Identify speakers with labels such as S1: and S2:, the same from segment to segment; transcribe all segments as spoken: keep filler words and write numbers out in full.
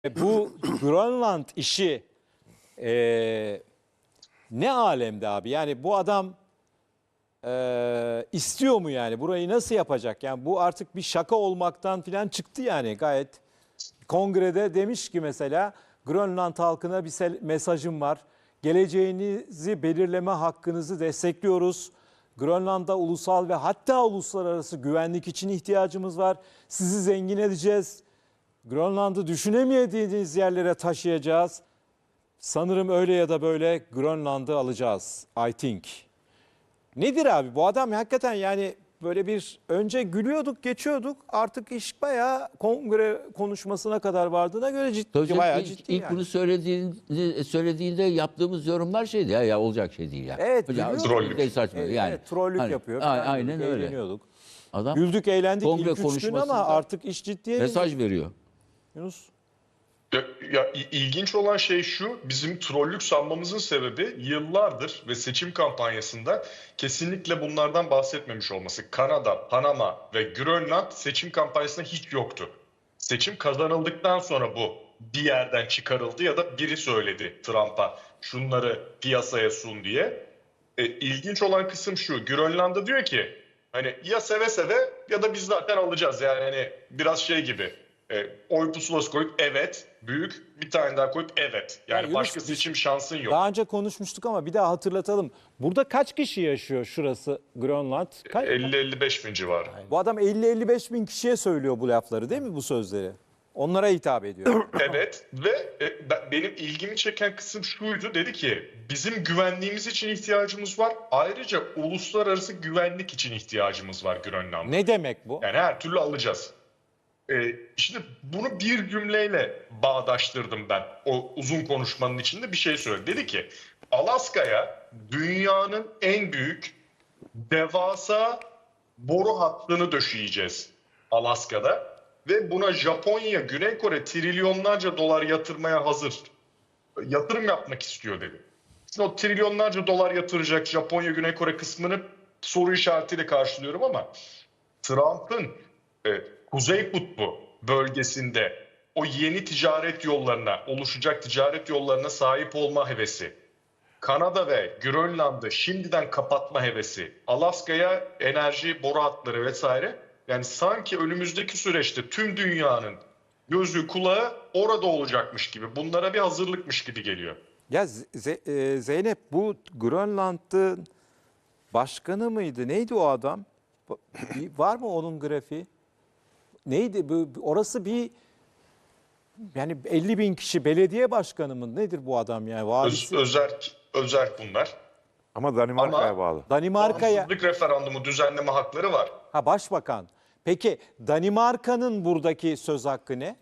S1: Bu Grönland işi e, ne alemde abi? Yani bu adam e, istiyor mu yani? Burayı nasıl yapacak? Yani bu artık bir şaka olmaktan falan çıktı yani gayet. Kongrede demiş ki mesela Grönland halkına bir mesajım var. Geleceğinizi belirleme hakkınızı destekliyoruz. Grönland'da ulusal ve hatta uluslararası güvenlik için ihtiyacımız var. Sizi zengin edeceğiz. Grönland'ı düşünemediğiniz yerlere taşıyacağız. Sanırım öyle ya da böyle Grönland'ı alacağız. I think. Nedir abi bu adam hakikaten yani böyle bir önce gülüyorduk geçiyorduk artık iş bayağı kongre konuşmasına kadar vardığına göre ciddi
S2: Hocam,
S1: bayağı
S2: ilk,
S1: ciddi
S2: ilk
S1: yani.
S2: bunu söylediğinde, söylediğinde yaptığımız yorumlar şeydi ya, ya olacak şey değil ya.
S1: Evet,
S2: Hocam,
S1: trollük.
S2: şey saçma
S1: Evet,
S2: yani.
S1: evet, trollük
S2: Hani,
S1: yapıyor.
S2: a-
S1: falan
S2: aynen
S1: diyorduk,
S2: öyle.
S1: eğleniyorduk.
S2: Adam
S1: Güldük eğlendik
S2: kongre
S1: ilk üç gün ama
S2: konuşmasında
S1: artık iş ciddiye bindi.
S2: mesaj veriyor.
S1: Yunus.
S3: Ya, ya ilginç olan şey şu, bizim trollük sanmamızın sebebi yıllardır ve seçim kampanyasında kesinlikle bunlardan bahsetmemiş olması. Kanada, Panama ve Grönland seçim kampanyasında hiç yoktu. Seçim kazanıldıktan sonra bu bir yerden çıkarıldı ya da biri söyledi Trump'a şunları piyasaya sun diye. E, ilginç olan kısım şu, Grönland'da diyor ki hani ya seve seve ya da biz zaten alacağız yani hani biraz şey gibi. E, oy pusulası koyup evet, büyük bir tane daha koyup evet. Yani
S1: Ya Yunus,
S3: başka seçim şansın yok.
S1: Daha önce konuşmuştuk ama bir daha hatırlatalım. Burada kaç kişi yaşıyor şurası Grönland? Kaç?
S3: elli elli beş bin civarı.
S1: Bu adam elli elli beş bin kişiye söylüyor bu lafları değil mi bu sözleri? Onlara hitap ediyor.
S3: Evet ve e, ben- benim ilgimi çeken kısım şuydu. Dedi ki bizim güvenliğimiz için ihtiyacımız var. Ayrıca uluslararası güvenlik için ihtiyacımız var Grönland'da.
S1: Ne demek bu?
S3: Yani her türlü alacağız. Ee, şimdi bunu bir cümleyle bağdaştırdım ben. O uzun konuşmanın içinde bir şey söyledi. Dedi ki Alaska'ya dünyanın en büyük devasa boru hattını döşeyeceğiz Alaska'da. Ve buna Japonya, Güney Kore trilyonlarca dolar yatırmaya hazır. Yatırım yapmak istiyor dedi. Şimdi o trilyonlarca dolar yatıracak Japonya, Güney Kore kısmını soru işaretiyle karşılıyorum ama Trump'ın e, Kuzey Kutbu bölgesinde o yeni ticaret yollarına, oluşacak ticaret yollarına sahip olma hevesi, Kanada ve Grönland'ı şimdiden kapatma hevesi, Alaska'ya enerji boru hatları vesaire. Yani sanki önümüzdeki süreçte tüm dünyanın gözü kulağı orada olacakmış gibi, bunlara bir hazırlıkmış gibi geliyor.
S1: Ya Z- e, Zeynep bu Grönland'ın başkanı mıydı? Neydi o adam? Bir- Var mı onun grafiği? Neydi? Bu, orası bir yani elli bin kişi belediye başkanı mı? Nedir bu adam yani?
S3: Öz,
S1: Valisi.
S3: özerk, özerk bunlar.
S4: Ama Danimarka'ya
S3: Ama-
S4: bağlı.
S1: Danimarka'ya.
S3: Bağımsızlık referandumu düzenleme hakları var.
S1: Ha başbakan. Peki Danimarka'nın buradaki söz hakkı ne?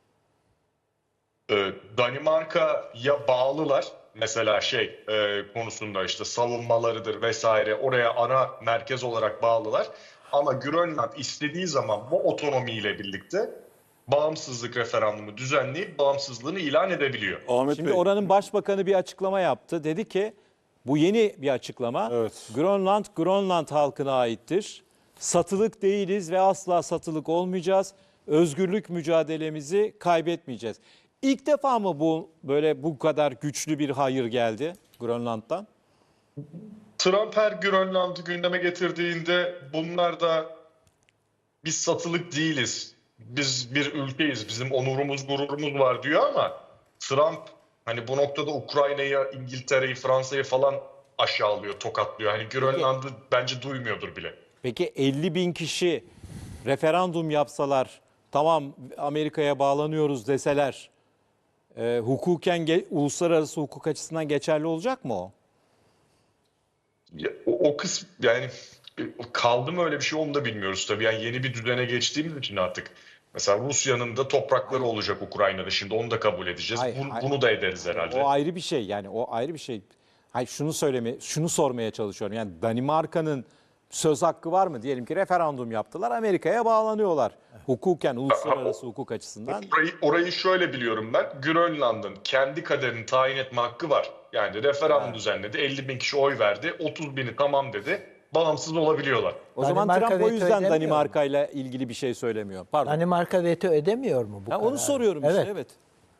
S3: Ee, Danimarka'ya bağlılar. Mesela şey e, konusunda işte savunmalarıdır vesaire oraya ana merkez olarak bağlılar. Ama Grönland istediği zaman bu otonomiyle birlikte bağımsızlık referandumu düzenleyip bağımsızlığını ilan edebiliyor.
S4: Ahmet
S1: Şimdi
S4: Bey,
S1: oranın başbakanı bir açıklama yaptı. Dedi ki bu yeni bir açıklama.
S4: Evet.
S1: Grönland, Grönland halkına aittir. Satılık değiliz ve asla satılık olmayacağız. Özgürlük mücadelemizi kaybetmeyeceğiz. İlk defa mı bu böyle bu kadar güçlü bir hayır geldi Grönland'dan?
S3: Trump her Grönland'ı gündeme getirdiğinde bunlar da biz satılık değiliz. Biz bir ülkeyiz. Bizim onurumuz, gururumuz var diyor ama Trump hani bu noktada Ukrayna'yı, İngiltere'yi, Fransa'yı falan aşağılıyor, tokatlıyor. Hani Grönland'ı bence duymuyordur bile.
S1: Peki elli bin kişi referandum yapsalar, tamam Amerika'ya bağlanıyoruz deseler, e, hukuken ge- uluslararası hukuk açısından geçerli olacak mı o?
S3: Ya, o, o kısım yani e, kaldı mı öyle bir şey onu da bilmiyoruz tabii. Yani yeni bir düzene geçtiğimiz için artık. Mesela Rusya'nın da toprakları olacak Ukrayna'da. Şimdi onu da kabul edeceğiz.
S1: Hayır,
S3: Bunu,
S1: hayır.
S3: bunu da ederiz herhalde.
S1: O ayrı bir şey yani o ayrı bir şey. Hayır şunu söyleme, şunu sormaya çalışıyorum. Yani Danimarka'nın söz hakkı var mı? Diyelim ki referandum yaptılar, Amerika'ya bağlanıyorlar. Hukuken, uluslararası hukuk açısından.
S3: Orayı, orayı şöyle biliyorum ben. Grönland'ın kendi kaderini tayin etme hakkı var. Yani referandum düzenledi. elli bin kişi oy verdi. otuz bini tamam dedi. Bağımsız olabiliyorlar.
S1: O zaman
S5: Danimarka
S1: Trump o
S5: veto
S1: yüzden
S5: edemiyor mu?
S1: Danimarka ile ilgili bir şey söylemiyor. Pardon.
S5: Danimarka veto edemiyor mu bu
S1: Ha,
S5: kararı?
S1: onu soruyorum
S5: evet.
S1: işte evet.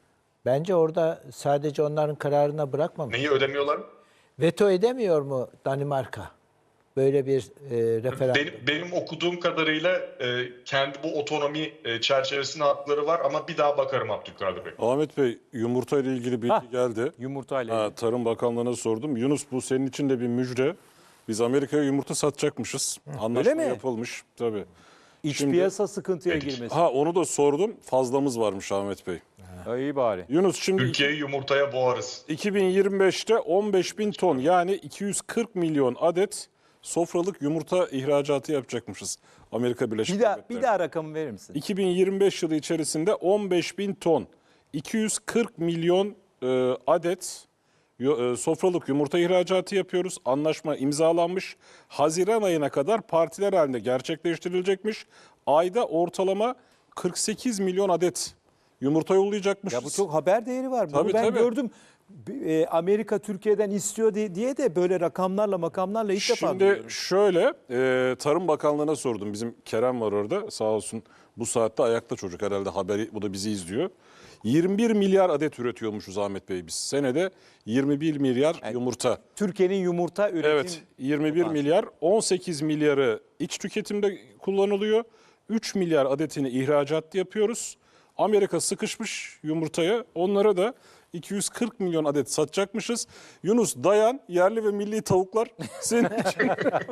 S4: Bence orada sadece onların kararına bırakmamış.
S3: Neyi ödemiyorlar?
S4: Veto edemiyor mu Danimarka? Böyle bir e, referandum.
S3: Benim, benim okuduğum kadarıyla e, kendi bu otonomi e, çerçevesinde hakları var ama bir daha bakarım Abdülkadir Bey.
S5: Ahmet Bey, yumurta ile ilgili bilgi
S1: Hah,
S5: geldi.
S1: Yumurtayla.
S5: Ha,
S1: ilgili.
S5: Tarım Bakanlığı'na sordum. Yunus, bu senin için de bir müjde. Biz Amerika'ya yumurta satacakmışız. Anlaşma
S1: mi?
S5: yapılmış. Tabii.
S1: İç
S5: Şimdi-
S1: piyasa sıkıntıya
S3: Dedik.
S1: girmesi.
S5: Ha, onu da sordum. Fazlamız varmış Ahmet Bey.
S1: Ha, iyi bari.
S5: Yunus, şimdi
S3: Ülkeyi yumurtaya boğarız.
S5: iki bin yirmi beşte on beş bin ton, yani iki yüz kırk milyon adet sofralık yumurta ihracatı yapacakmışız Amerika Birleşik
S1: Bir daha,
S5: Devletleri.
S1: bir daha rakamı verir misin?
S5: iki bin yirmi beş yılı içerisinde on beş bin ton, iki yüz kırk milyon e, adet yo- e, sofralık yumurta ihracatı yapıyoruz. Anlaşma imzalanmış. Haziran ayına kadar partiler halinde gerçekleştirilecekmiş. Ayda ortalama kırk sekiz milyon adet yumurta yollayacakmışız.
S1: Ya bu çok haber değeri var. Bunu
S5: Tabii,
S1: ben
S5: tabii.
S1: gördüm. E, Amerika Türkiye'den istiyor diye, diye de böyle rakamlarla makamlarla ilk defa
S5: Şimdi
S1: duyuyorum.
S5: şöyle, e, Tarım Bakanlığı'na sordum. Bizim Kerem var orada, sağ olsun, bu saatte ayakta çocuk herhalde, haberi, bu da bizi izliyor. yirmi bir milyar adet üretiyormuşuz Ahmet Bey biz. Senede yirmi bir milyar yumurta.
S1: Türkiye'nin yumurta üretim
S5: Evet, yirmi bir milyar, on sekiz milyarı iç tüketimde kullanılıyor. üç milyar adetini ihracat yapıyoruz. Amerika sıkışmış yumurtaya, onlara da iki yüz kırk milyon adet satacakmışız. Yunus, dayan, yerli ve milli tavuklar senin için,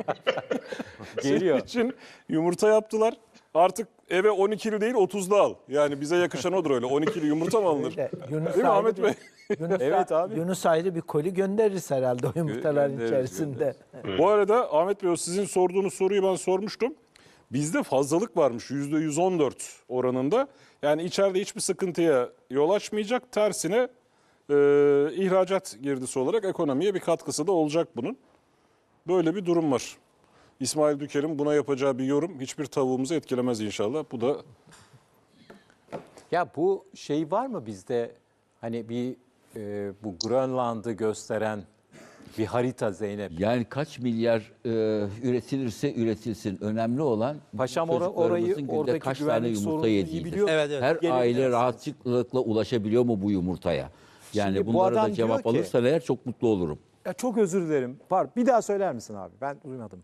S1: geliyor.
S5: senin için yumurta yaptılar. Artık eve on ikili değil otuzlu al. Yani bize yakışan odur öyle. on ikili yumurta mı alınır?
S4: Öyle. Yunus
S5: Değil mi
S4: ayrı
S5: Ahmet
S4: bir-
S5: Bey?
S4: Yunus,
S1: Evet abi.
S4: Yunus ayrı bir koli göndeririz herhalde o yumurtaların
S5: Göndeririz,
S4: içerisinde.
S5: Bu arada Ahmet Bey, o sizin sorduğunuz soruyu ben sormuştum. Bizde fazlalık varmış yüzde yüz on dört oranında. Yani içeride hiçbir sıkıntıya yol açmayacak. Tersine e, ihracat girdisi olarak ekonomiye bir katkısı da olacak bunun. Böyle bir durum var. İsmail Düker'in buna yapacağı bir yorum hiçbir tavuğumuzu etkilemez inşallah. Bu da
S1: Ya bu şey var mı bizde, hani bir e, bu Grönland'ı gösteren bir harita Zeynep?
S2: Yani kaç milyar e, üretilirse üretilsin. Önemli olan
S1: Paşam ora- orayı,
S2: çocuklarımızın günde
S1: oradaki
S2: kaç tane
S1: güvenlik
S2: yumurta
S1: sorununu iyi
S2: yediğidir.
S1: biliyor.
S6: Evet, evet.
S2: Her
S1: Gelebilirsiniz.
S2: aile rahatlıkla ulaşabiliyor mu bu yumurtaya? Yani
S1: Şimdi bu
S2: bunlara
S1: adam
S2: da cevap
S1: diyor ki-
S2: alırsan eğer çok mutlu olurum.
S1: Ya çok özür dilerim. Var. Bir daha söyler misin abi? Ben duymadım.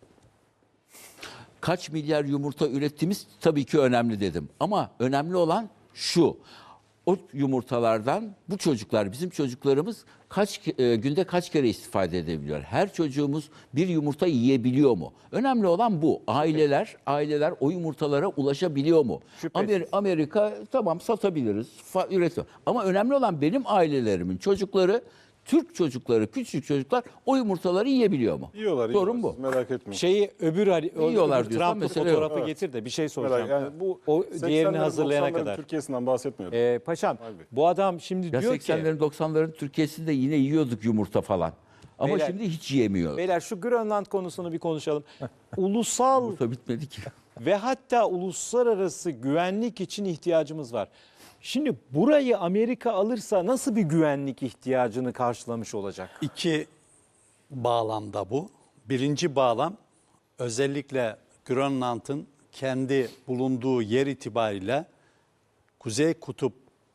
S2: Kaç milyar yumurta ürettiğimiz tabii ki önemli dedim. Ama önemli olan şu. O yumurtalardan bu çocuklar, bizim çocuklarımız kaç e, günde kaç kere istifade edebiliyor? Her çocuğumuz bir yumurta yiyebiliyor mu? Önemli olan bu. Aileler, aileler o yumurtalara ulaşabiliyor mu?
S1: Şüphesiz.
S2: Amer- Amerika tamam satabiliriz, fa- üretim. Ama önemli olan benim ailelerimin çocukları, Türk çocukları, küçük çocuklar o yumurtaları yiyebiliyor mu?
S5: yiyorlar.
S2: Sorun
S5: yiyorlar.
S2: bu.
S5: Siz merak etmeyin.
S1: Şeyi öbür, hari- o
S2: Yiyorlar
S1: öbür
S2: diyorsan
S1: Trump'ın
S2: mesele
S1: fotoğrafı
S5: yok.
S1: getir de bir şey
S5: Merak-
S1: soracağım.
S5: yani bu
S1: o diğerini
S5: seksenlerin,
S1: hazırlayana
S5: doksanların
S1: kadar.
S5: Türkiye'sinden bahsetmiyorum.
S1: Ee, paşam bu adam şimdi
S2: Ya
S1: diyor ki
S2: seksenlerin doksanların Türkiye'sinde yine yiyorduk yumurta falan. Ama
S1: Beyler-
S2: şimdi hiç yiyemiyoruz.
S1: beyler şu Grönland konusunu bir konuşalım. Ulusal
S2: Yumurta bitmedi ki.
S1: ve hatta uluslararası güvenlik için ihtiyacımız var. Şimdi burayı Amerika alırsa nasıl bir güvenlik ihtiyacını karşılamış olacak?
S6: İki bağlamda bu. Birinci bağlam özellikle Grönland'ın kendi bulunduğu yer itibariyle Kuzey Kutup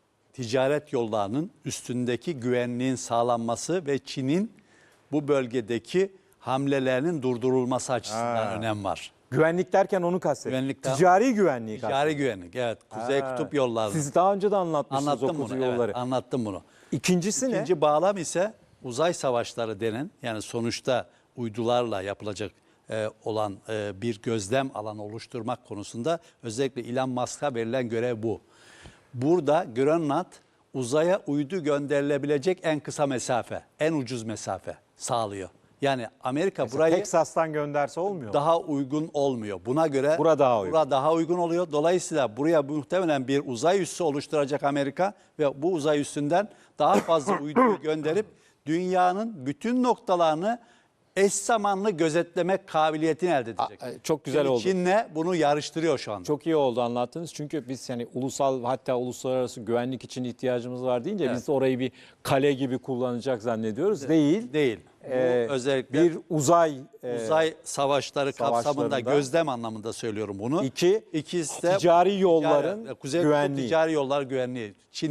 S6: ticaret yollarının üstündeki güvenliğin sağlanması ve Çin'in bu bölgedeki hamlelerinin durdurulması açısından önem var.
S1: Güvenlik derken onu kastediyorum.
S6: Güvenlikten-
S1: Ticari güvenliği
S6: Ticari
S1: kastediyorum.
S6: güvenlik, evet. Kuzey
S1: Ha.
S6: Kutup yolları.
S1: Siz daha önce de anlatmışsınız o
S6: Anlattım
S1: kutu
S6: bunu,
S1: yolları.
S6: evet, anlattım bunu.
S1: İkincisi ne?
S6: İkinci bağlam ise uzay savaşları denen, yani sonuçta uydularla yapılacak e, olan e, bir gözlem alanı oluşturmak konusunda özellikle Elon Musk'a verilen görev bu. Burada Grönland uzaya uydu gönderilebilecek en kısa mesafe, en ucuz mesafe sağlıyor. Yani Amerika
S1: Mesela
S6: burayı
S1: Teksas'tan gönderse olmuyor mu?
S6: daha uygun olmuyor. Buna göre
S1: Bura daha uygun.
S6: bura daha uygun oluyor. Dolayısıyla buraya muhtemelen bir uzay üssü oluşturacak Amerika ve bu uzay üssünden daha fazla uyduyu gönderip dünyanın bütün noktalarını eş zamanlı gözetlemek kabiliyetini elde edecek.
S1: Aa, çok güzel
S6: Şimdi
S1: oldu.
S6: Çin'le bunu yarıştırıyor şu anda.
S1: Çok iyi oldu anlattınız. Çünkü biz yani ulusal hatta uluslararası güvenlik için ihtiyacımız var deyince
S6: Evet.
S1: biz orayı bir kale gibi kullanacak zannediyoruz. Değil.
S6: Değil. Bu
S1: Ee,
S6: özellikle
S1: bir uzay e,
S6: uzay savaşları kapsamında
S1: savaşlarında-
S6: gözlem anlamında söylüyorum bunu.
S1: İki,
S6: İkisi de
S1: ticari yolların
S6: ticari- Kuzey
S1: güvenliği.
S6: Kutbu ticari yollar güvenliği. Çin'in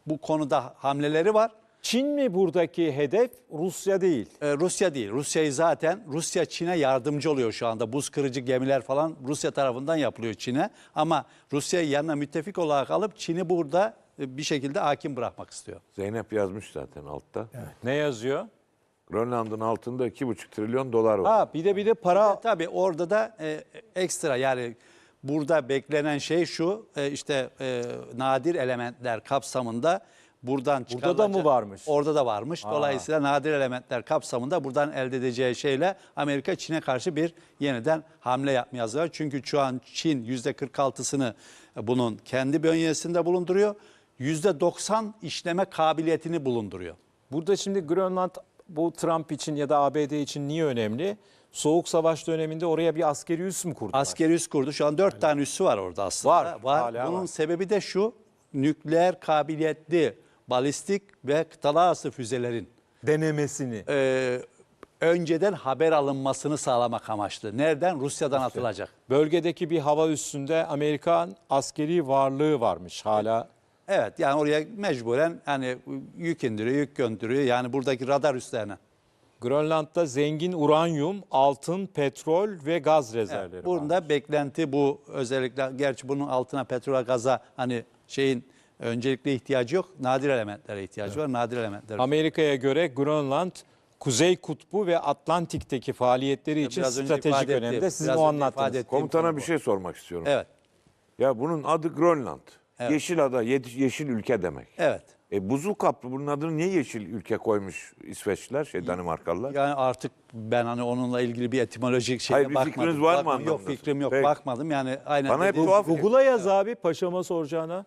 S6: bu konuda hamleleri var.
S1: Çin mi buradaki hedef, Rusya değil?
S6: Ee, Rusya değil. Rusya'yı zaten Rusya Çin'e yardımcı oluyor şu anda. Buz kırıcı gemiler falan Rusya tarafından yapılıyor Çin'e. Ama Rusya'yı yanına müttefik olarak alıp Çin'i burada e, bir şekilde hakim bırakmak istiyor.
S7: Zeynep yazmış zaten altta.
S1: Ne yazıyor?
S7: Grönland'ın altında iki buçuk trilyon dolar var.
S1: Ha bir de bir de para
S6: Tabii orada da e, ekstra yani burada beklenen şey şu e, işte e, nadir elementler kapsamında buradan
S1: Burada da mı
S6: çıkarılacak-
S1: varmış?
S6: Orada da varmış. Dolayısıyla nadir elementler kapsamında buradan elde edeceği şeyle Amerika Çin'e karşı bir yeniden hamle yapmaya hazır. Çünkü şu an Çin yüzde kırk altısını bunun kendi bünyesinde bulunduruyor. yüzde doksan işleme kabiliyetini bulunduruyor.
S1: Burada şimdi Grönland bu Trump için ya da A B D için niye önemli? Soğuk Savaş döneminde oraya bir askeri üs mü kurdular?
S6: Askeri üs kurdu. Şu an dört tane üssü var orada aslında.
S1: Var, hala
S6: Bunun
S1: var.
S6: sebebi de şu. Nükleer kabiliyetli balistik ve kıtalar arası füzelerin
S1: Denemesini.
S6: e, önceden haber alınmasını sağlamak amaçlı. Nereden? Rusya'dan atılacak.
S1: Bölgedeki bir hava üssünde Amerikan askeri varlığı varmış hala.
S6: Evet yani oraya mecburen hani yük indiriyor, yük gönderiyor. Yani buradaki radar üslerine.
S1: Grönland'da zengin uranyum, altın, petrol ve gaz rezervleri
S6: Evet,
S1: var.
S6: bunda beklenti bu özellikle gerçi bunun altına petrol gaza hani şeyin öncelikle ihtiyacı yok. Nadir elementlere ihtiyacı var. Nadir elementler.
S1: Amerika'ya göre Grönland Kuzey Kutbu ve Atlantik'teki faaliyetleri için
S6: Biraz önce
S1: stratejik
S6: ifade
S1: önemde.
S6: ettiğim-
S1: Sizin
S6: biraz
S1: o
S6: önce ifade
S1: anlattınız.
S6: ettiğim
S7: Komutana
S6: konu
S7: bir
S6: bu.
S7: şey sormak istiyorum.
S6: Evet.
S7: Ya bunun adı Grönland. Yeşil ada, ye- yeşil ülke demek.
S6: Evet.
S7: E buzul kaplı bunun adını niye yeşil ülke koymuş İsveçliler, şey Danimarkalılar?
S6: Yani artık ben hani onunla ilgili bir etimolojik şeye
S7: Hayır, bir
S6: bakmadım.
S7: fikriniz var mı
S6: Bakmadım. Yok
S7: anlamında?
S6: fikrim yok.
S7: Peki.
S6: Bakmadım. Yani aynen
S7: Bana hep
S6: dediğim-
S7: tuhaf-
S1: Google'a yaz abi paşama soracağına.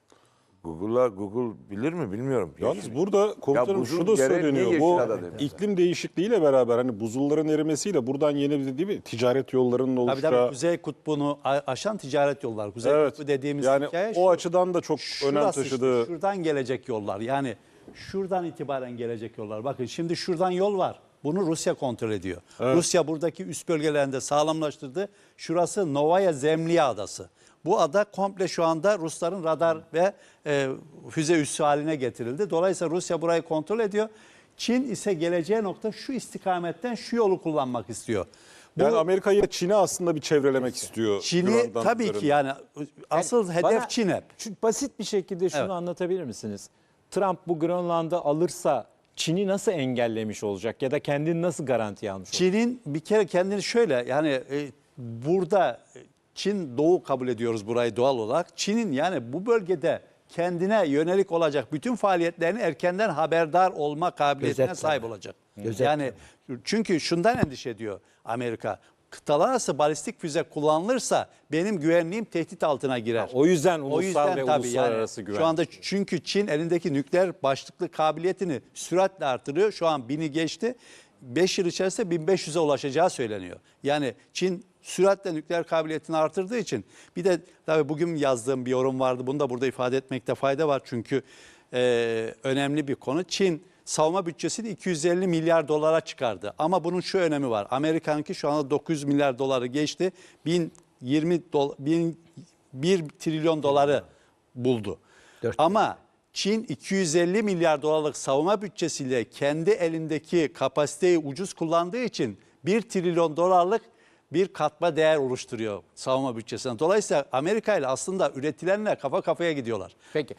S7: Google'a Google bilir mi bilmiyorum.
S5: Yalnız burada komutanım
S7: buzul
S5: şu da
S7: yere niye
S5: söyleniyor.
S7: yeşil
S5: Bu
S7: ada demişler?
S5: iklim değişikliğiyle beraber hani buzulların erimesiyle buradan yeni bir değil mi ticaret yollarının
S6: Tabii
S5: oluşacağı.
S6: tabii Kuzey Kutbu'nu a- aşan ticaret yolları. Kuzey
S5: Evet.
S6: Kutbu dediğimiz
S5: yani
S6: hikaye
S5: o
S6: şu.
S5: açıdan da çok önem
S6: Şurası işte,
S5: taşıdığı.
S6: şuradan gelecek yollar. Yani şuradan itibaren gelecek yollar. Bakın şimdi şuradan yol var. Bunu Rusya kontrol ediyor. Rusya buradaki üst bölgelerinde sağlamlaştırdı. Şurası Novaya Zemlya adası. Bu ada komple şu anda Rusların radar ve e, füze üssü haline getirildi. Dolayısıyla Rusya burayı kontrol ediyor. Çin ise geleceği nokta şu istikametten şu yolu kullanmak istiyor. Bu
S5: Yani Amerika'yı Çin'e aslında bir çevrelemek istiyor.
S6: Çin'i
S5: Grönland
S6: tabii ki
S5: üzerinde.
S6: yani asıl hedef
S1: Bana
S6: Çin hep.
S1: şu basit bir şekilde şunu
S6: Evet.
S1: anlatabilir misiniz? Trump bu Grönland'ı alırsa Çin'i nasıl engellemiş olacak ya da kendini nasıl garantiye almış olacak?
S6: Çin'in bir kere kendini şöyle yani e, burada e, Çin doğu kabul ediyoruz burayı doğal olarak. Çin'in yani bu bölgede kendine yönelik olacak bütün faaliyetlerini erkenden haberdar olma kabiliyetine
S4: Gözetleme.
S6: sahip olacak.
S4: Gözetleme.
S6: Yani çünkü şundan endişe ediyor Amerika. Kıtalar arası balistik füze kullanılırsa benim güvenliğim tehdit altına girer.
S1: O yüzden
S6: O
S1: ulusal
S6: yüzden
S1: ve
S6: tabii
S1: uluslararası
S6: yani
S1: güven.
S6: şu anda çünkü Çin elindeki nükleer başlıklı kabiliyetini süratle artırıyor. Şu an bini geçti. beş yıl içerisinde bin beş yüze ulaşacağı söyleniyor. Yani Çin süratle nükleer kabiliyetini artırdığı için bir de tabii bugün yazdığım bir yorum vardı. Bunu da burada ifade etmekte fayda var. Çünkü e, önemli bir konu. Çin savunma bütçesini iki yüz elli milyar dolara çıkardı. Ama bunun şu önemi var. Amerika'nınki şu anda dokuz yüz milyar doları geçti. bin yirmi dola- bin bir trilyon doları buldu.
S4: Dört.
S6: Ama Çin iki yüz elli milyar dolarlık savunma bütçesiyle kendi elindeki kapasiteyi ucuz kullandığı için bir trilyon dolarlık bir katma değer oluşturuyor savunma bütçesine. Dolayısıyla Amerika ile aslında üretilenle kafa kafaya gidiyorlar.
S1: Peki.